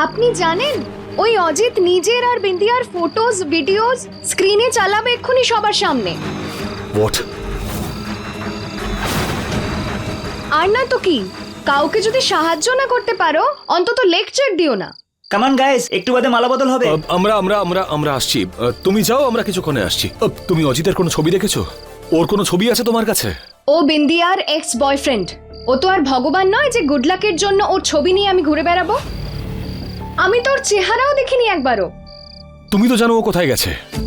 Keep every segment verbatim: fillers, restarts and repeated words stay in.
আপনি জানেন ওই অজিত নিজের আর বিন্দিয়ার ফটোজ ভিডিওস স্ক্রিনে চালাবে এক্ষুনি সবার সামনে। হোয়াট? আর না তো কি, কাউকে যদি সাহায্য না করতে পারো অন্তত লেকচার দিও না। কামান গাইস, একটু বাদে মালা বদল হবে। আহ, আমরা আমরা আমরা আমরা আসছি। আহ, তুমি যাও, আমরা কিছুক্ষণে আসছি। আহ, তুমি অজিতের কোনো ছবি দেখেছো? ওর কোনো ছবি আছে তোমার কাছে? ও বিন্দিয়ার এক্স বয়ফ্রেন্ড। ও তো আর ভগবান নয় যে গুড লাকের জন্য ওর ছবি নিয়ে আমি ঘুরে বেড়াবো। আমি তোর চেহারাও দেখিনি একবারও। তুমি তো জানো ও কোথায় গেছে।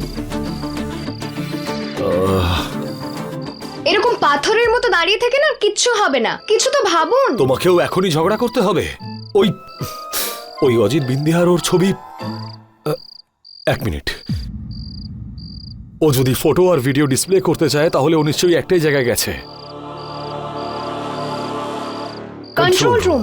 এরকম পাথরের মতো দাঁড়িয়ে থেকে না কিচ্ছু হবে না, কিছু তো ভাবুন। তোমাকেও এখনই ঝগড়া করতে হবে? ওই ওই অজিত বিন্দিহার ওর ছবি। আহ, এক মিনিট। ও যদি ফটো আর ভিডিও ডিসপ্লে করতে চায় তাহলে ও নিশ্চয়ই একটাই জায়গায় গেছে। Control room.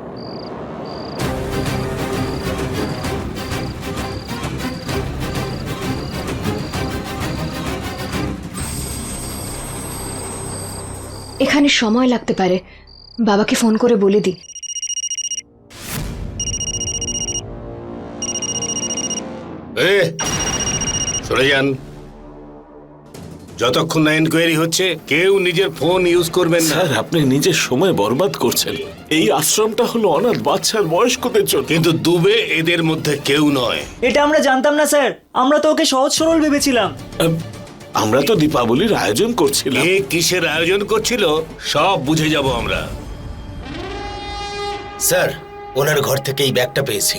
এখানে সময় লাগতে পারে, বাবাকে ফোন করে বলে দিই। এ সরে যান। যতক্ষণ না এনকোয়ারি হচ্ছে কেউ নিজের ফোন ইউজ করবেন না। স্যার, আপনি নিজের সময় বরবাদ করছেন। এই আশ্রমটা হলো অনাথ বাচ্চার বয়স্কদের জন্য। কিন্তু দুবে এদের মধ্যে কেউ নয়। এটা আমরা জানতাম না স্যার, আমরা তো ওকে সহজ সরল ভেবেছিলাম। আহ, আমরা তো দীপাবলির আয়োজন করছিলাম। এ কিসের আয়োজন করছিল সব বুঝে যাব আমরা। স্যার, ওনার ঘর থেকে এই ব্যাগটা পেয়েছি।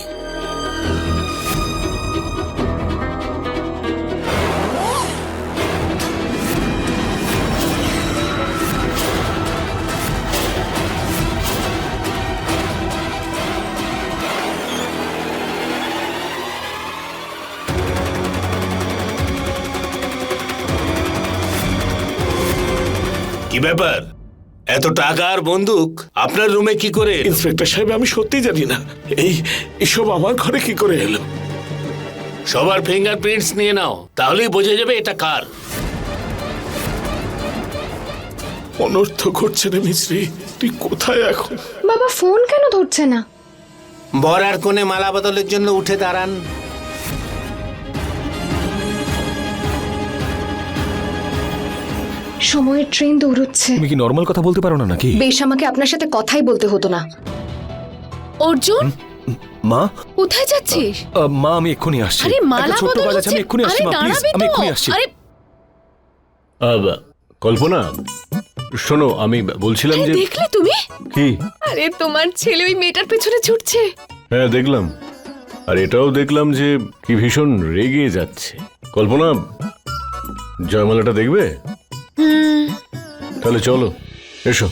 কি ব্যাপার, এত টাকা আর বন্দুক আপনার রুমে কি করে এলো? ইন্সপেক্টর সাহেব, আমি সত্যি জানি না এই এসব আমার ঘরে কি করে এলো। সবার ফিঙ্গারপ্রিন্টস নিয়ে নাও, তাহলেই বোঝা যাবে এটা কার। অনর্থ করছে রে মিশ্রি, তুই কোথায় এখন? বাবা ফোন কেন ধরছে না? বর আর কোণে মালা বদলের জন্য উঠে দাঁড়ান। সময়ের ট্রেন দৌড়চ্ছে। তুমি কি নর্মাল কথা বলতে পারো না নাকি? বেশ, আমাকে আপনার সাথে কথাই বলতে হতো না। অর্জুন, মা? কোথায় যাচ্ছিস? আহ, মা, আমি এক্ষুনি আসছি। আরে একটা মালা ছোট্ট বদল কাজ আছে, হচ্ছে। আমি এক্ষুনি আসছি। আরে মা, প্লিজ, দাঁড়াবি আমি তো। এক্ষুনি আসছি। আরে কল্পনা, শোনো, আমি বলছিলাম আরে যে দেখলে তুমি? কি? আরে তোমার ছেলে ওই মেয়েটার পেছনে ছুটছে। হ্যাঁ, দেখলাম। আর এটাও দেখলাম যে কি ভীষণ রেগে যাচ্ছে। কল্পনা, জয়মালাটা দেখবে? তাহলে চলো, এসো।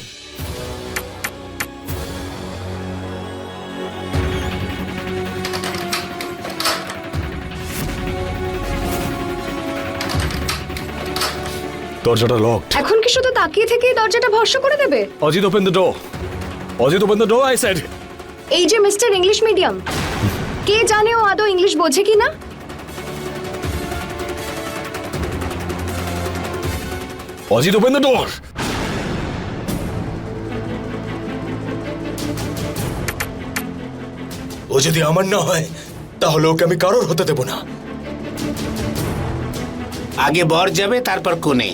দরজাটা লকড। এখন কি শুধু তাকিয়ে থেকেই দরজাটা ভরসা করে দেবে? Ajit, open the door. Ajit, open the door, I said. এই যে মিস্টার ইংলিশ মিডিয়াম, কে জানে ও আদৌ ইংলিশ বোঝে কি না? Ajit, open the door. ও যদি আমার না হয় তাহলে ওকে আমি কারোর হতে দেব না। আগে বর যাবে, তারপর কোণে।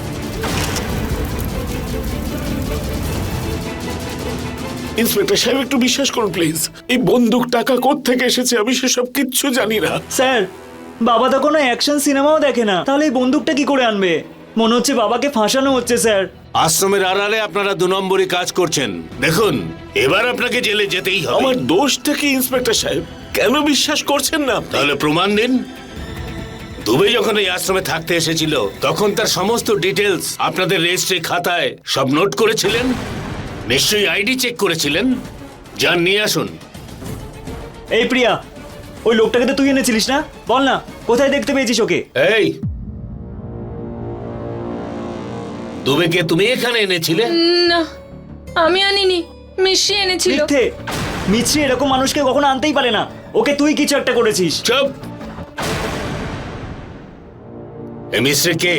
ইন্সপেক্টর সাহেব, একটু বিশ্বাস করুন প্লিজ। এই বন্দুক টাকা কোত্থেকে এসেছে আমি সেসব কিচ্ছু জানি না। স্যার, বাবা তো কোনো অ্যাকশন সিনেমাও দেখে না, তাহলে এই বন্দুকটা কি করে আনবে? মনে হচ্ছে বাবাকে ফাঁসানো হচ্ছে স্যার। আশ্রমের আড়ালে আপনারা দু নম্বরই কাজ করছেন। দেখুন, এবার আপনাকে জেলে যেতেই হবে। আমার দোষটা কি ইন্সপেক্টর সাহেব? কেন বিশ্বাস করছেন না আপনি? তাহলে প্রমাণ দিন। দুবে যখন এই আশ্রমে থাকতে এসেছিল তখন তার সমস্ত ডিটেলস আপনাদের রেজিস্ট্রি খাতায় সব নোট করেছিলেন। নিশ্চয়ই আইডি চেক করেছিলেন। যান, নিয়ে আসুন। এই প্রিয়া, ওই লোকটাকে তো তুই এনেছিলিস না? বল না, কোথায় দেখতে পেয়েছিস ওকে? এই দুবেকে তুমি এখানে এনেছিলে? না, আমি আনিনি, মিশি এনেছিল। মিথ্যে! মিছরি এরকম মানুষকে কখনো আনতেই পারে না। ওকে তুই কিছু একটা করেছিস। চুপ! এ মিস্ত্রি কে?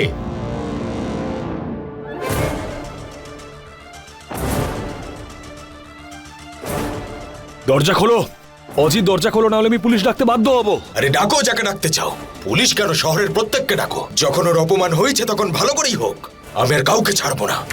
দরজা খোলো। অজিত দরজা খোলো, না হলে আমি পুলিশ ডাকতে বাধ্য হব। আরে ডাকো যাকে ডাকতে চাও, পুলিশ কেন, শহরের প্রত্যেককে ডাকো। যখন ওর অপমান হয়েছে তখন ভালো করেই হোক, আমি আর কাউকে ছাড়বো না।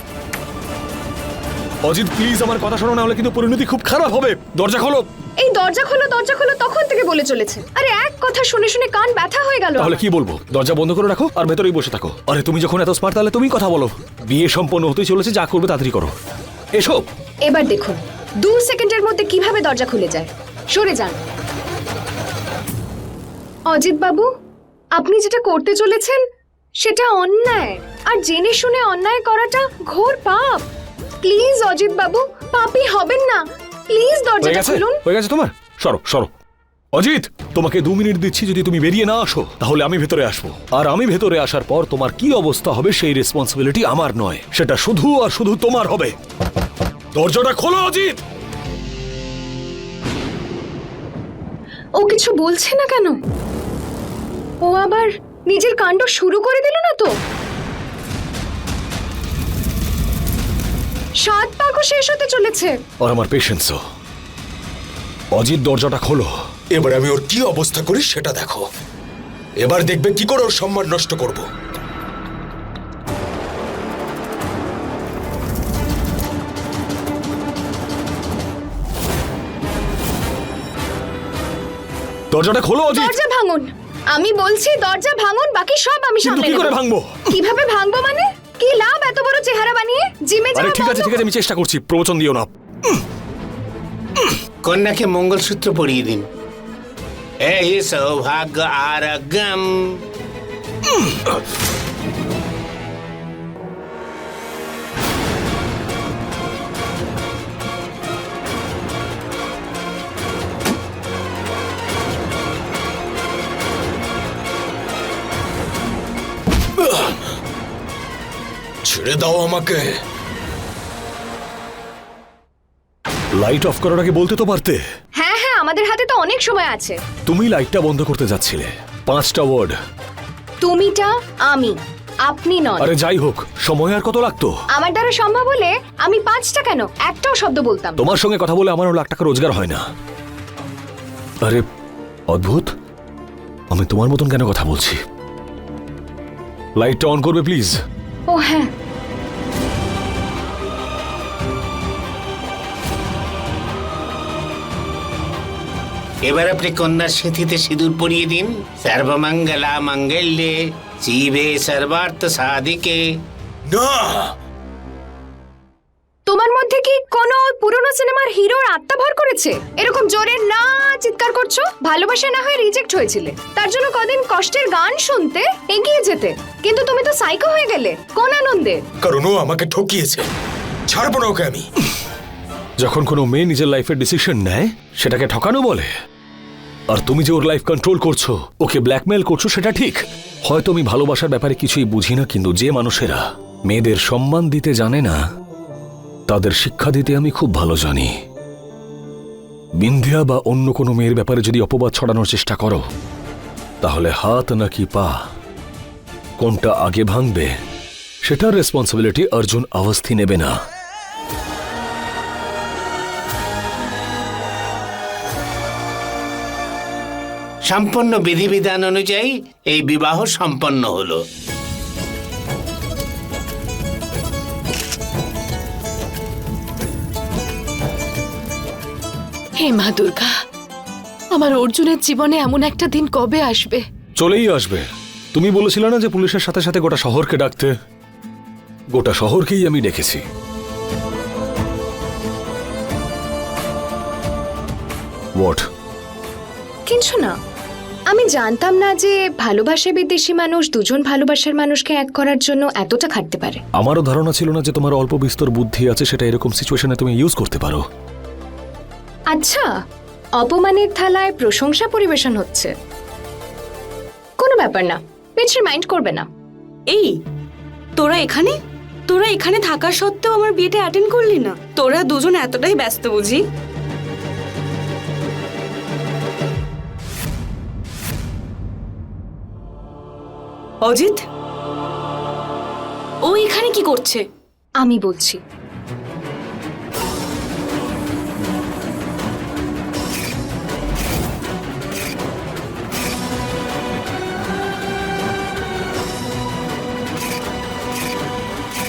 অজিত প্লিজ আমার কথা শোনো, না হলে কিন্তু পরিণতি খুব খারাপ হবে। দরজা খোলো। এই দরজা খোলো দরজা খোলো তখন থেকে বলে চলেছে। আরে এক কথা শুনে শুনে কান ব্যথা হয়ে গেল তাহলে আমার। কি বলবো? দরজা বন্ধ করে রাখো আর ভেতরেই বসে থাকো। আরে তুমি যখন এত স্মার্ট, তাহলে তুমি কথা বলো। বিয়ে সম্পন্ন হতে চলেছে, যা করবে তাড়াতাড়ি করো। এসো। এবার দেখুন দু সেকেন্ডের মধ্যে কিভাবে দরজা খুলে যায়। সরে যান। অজিত বাবু, আপনি যেটা করতে চলেছেন সেটা অন্যায়, আর জেনে শুনে অন্যায় করাটা ঘোর পাপ। প্লিজ অজিত বাবু, পাপী হবেন না। প্লিজ হয়ে দরজাটা গেছে খুলুন। হয়ে গেছে তোমার, সরো সরো। অজিত, তোমাকে দু মিনিট দিচ্ছি, যদি তুমি বেরিয়ে না আসো তাহলে আমি ভেতরে আসবো। আর আমি ভেতরে আসার পর তোমার কি অবস্থা হবে সেই রেসপন্সিবিলিটি আমার নয়, সেটা শুধু আর শুধু তোমার হবে। দরজাটা খোলো অজিত। ও কিছু বলছে না কেন? ও আবার নিজের কাণ্ড শুরু করে দিল না তো? সাত পাকও শেষ হতে চলেছে। আর আমার পেশেন্সও। অজিত দরজাটা খোলো। এবার আমি ওর কি অবস্থা করি সেটা দেখো। এবার দেখবে কি করে ওর সম্মান নষ্ট করব। দরজাটা খোলো অজিত। দরজা ভাঙুন। আমি বলছি দরজা ভাঙুন, বাকি সব আমি কিন্তু সামলে কি নেব। করে ভাঙবো? কিভাবে ভাঙবো মানে? কি লাভ এত বড় চেহারা বানিয়ে? জিমে আরে যাওয়া ঠিক আছে বন্ধ ঠিক আছে, আমি চেষ্টা করছি, প্রবচন দিও না। কন্যাকে মঙ্গলসূত্র পরিয়ে দিন। এই সৌভাগ্য আর গম। ছেড়ে দাও আমাকে। লাইট অফ করার আগে বলতে তো পারতে। হ্যাঁ হ্যাঁ, আমাদের হাতে তো অনেক সময় আছে। তুমি লাইটটা বন্ধ করতে যাচ্ছিলে। পাঁচটা ওয়ার্ড। তুমিটা আমি, আপনি নন। আরে যাই হোক, সময় আর কত লাগতো? আমার দ্বারা সম্ভব হলে আমি পাঁচটা কেন একটাও শব্দ বলতাম। তোমার সঙ্গে কথা বলে আমারও লাখ টাকা রোজগার হয় না। আরে অদ্ভুত, আমি তোমার মতন কেন কথা বলছি? লাইটটা অন করবে প্লিজ? ও হ্যাঁ। এবার আপনি কন্যার সিঁথিতে সিঁদুর পরিয়ে দিন। সর্বমঙ্গলা মঙ্গল্যে শিবে সর্বার্থ সাধিকে। না, তোমার মধ্যে কি কোনো পুরনো সিনেমার হিরোর আত্মা ভর করেছে? এরকম জোরে না চিৎকার করছো? ভালোবাসা না হয়ে রিজেক্ট হয়েছিলে, তার জন্য কদিন কষ্টের গান শুনতে এগিয়ে যেতে, কিন্তু তুমি তো সাইকো হয়ে গেলে। কোন আনন্দে? কারণ ও আমাকে ঠকিয়েছে। ছাড়বো না ওকে আমি। যখন কোনো মেয়ে নিজের লাইফের ডিসিশন নেয় সেটাকে ঠকানো বলে। আর তুমি যে ওর লাইফ কন্ট্রোল করছো, ওকে ব্ল্যাকমেল করছো, সেটা ঠিক। হয়তো আমি ভালোবাসার ব্যাপারে কিছুই বুঝি না, কিন্তু যে মানুষেরা মেয়েদের সম্মান দিতে জানে না তাদের শিক্ষা দিতে আমি খুব ভালো জানি। বিন্ধিয়া বা অন্য কোনো মেয়ের ব্যাপারে যদি অপবাদ ছড়ানোর চেষ্টা করো, তাহলে হাত নাকি পা কোনটা আগে ভাঙবে সেটার রেসপন্সিবিলিটি অর্জুন অবস্থি নেবে না। সম্পন্ন বিধিবিধান অনুযায়ী এই বিবাহ সম্পন্ন হলো। হে মা দুর্গা, আমার অর্জুনের জীবনে এমন একটা দিন কবে আসবে? চলেই আসবে। তুমি বলেছিলে না যে পুলিশের সাথে সাথে গোটা শহরকে ডাকতে? গোটা শহরকেই আমি ডেকেছি। হোয়াট? কিছু না। আমি জানতাম না যে ভালোবাসা বিদেশি মানুষ দুজন ভালোবাসার মানুষকে এক করার জন্য এতটা খাটতে পারে। আমারও ধারণা ছিল না যে তোমার অল্প বিস্তর বুদ্ধি আছে, সেটা এরকম সিচুয়েশনে তুমি ইউজ করতে পারো। আচ্ছা, অপমানের থালায় প্রশংসা পরিবেশন হচ্ছে। কোনো ব্যাপার না, মিছরি মাইন্ড করবে না। এই তোরা এখানে তোরা এখানে থাকা সত্ত্বেও আমার বিয়েটা অ্যাটেন্ড করলি না? তোরা দুজন এতটাই ব্যস্ত বুঝি? অজিত, ও এখানে কি করছে? আমি বলছি।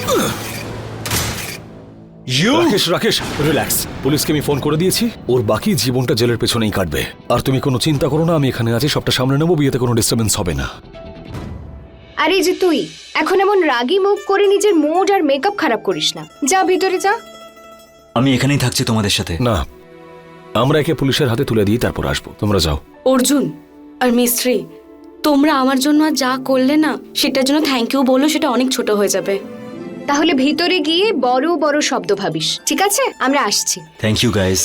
রাকেশ রাকেশ রিল্যাক্স, পুলিশকে আমি ফোন করে দিয়েছি, ওর বাকি জীবনটা জেলের পেছনেই কাটবে। আর তুমি কোনো চিন্তা করো না, আমি এখানে আছি, সবটা সামনে নেবো, বিয়েতে কোনো ডিস্টারবেন্স হবে না। আরে যে তুই এখন এমন রাগী মুখ করে নিজের মুড আর মেকআপ খারাপ করিস না, যা ভিতরে যা। আমি এখানেই থাকছি তোমাদের সাথে। না, আমরা একে পুলিশের হাতে তুলে দিই, তারপর আসবো, তোমরা যাও। অর্জুন আর মিস্ত্রি, তোমরা আমার জন্য আর যা করলে না, সেটার জন্য থ্যাংক ইউ বললো, সেটা অনেক ছোট হয়ে যাবে। তাহলে ভিতরে গিয়ে বড় বড় শব্দ ভাবিস, ঠিক আছে? আমরা আসছি। থ্যাংক ইউ গাইস,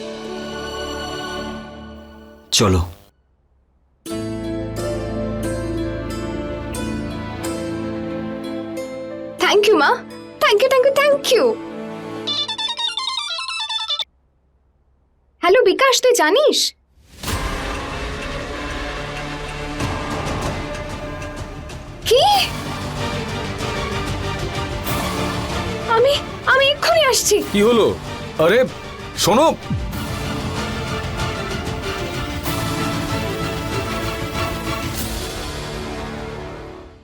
চলো। থ্যাংক ইউ মা, thank you thank you thank you. Hello Bikash, তুই জানিস কি? আমি আমি এক্ষুনি আসছি। কি হলো? আরে শোনো,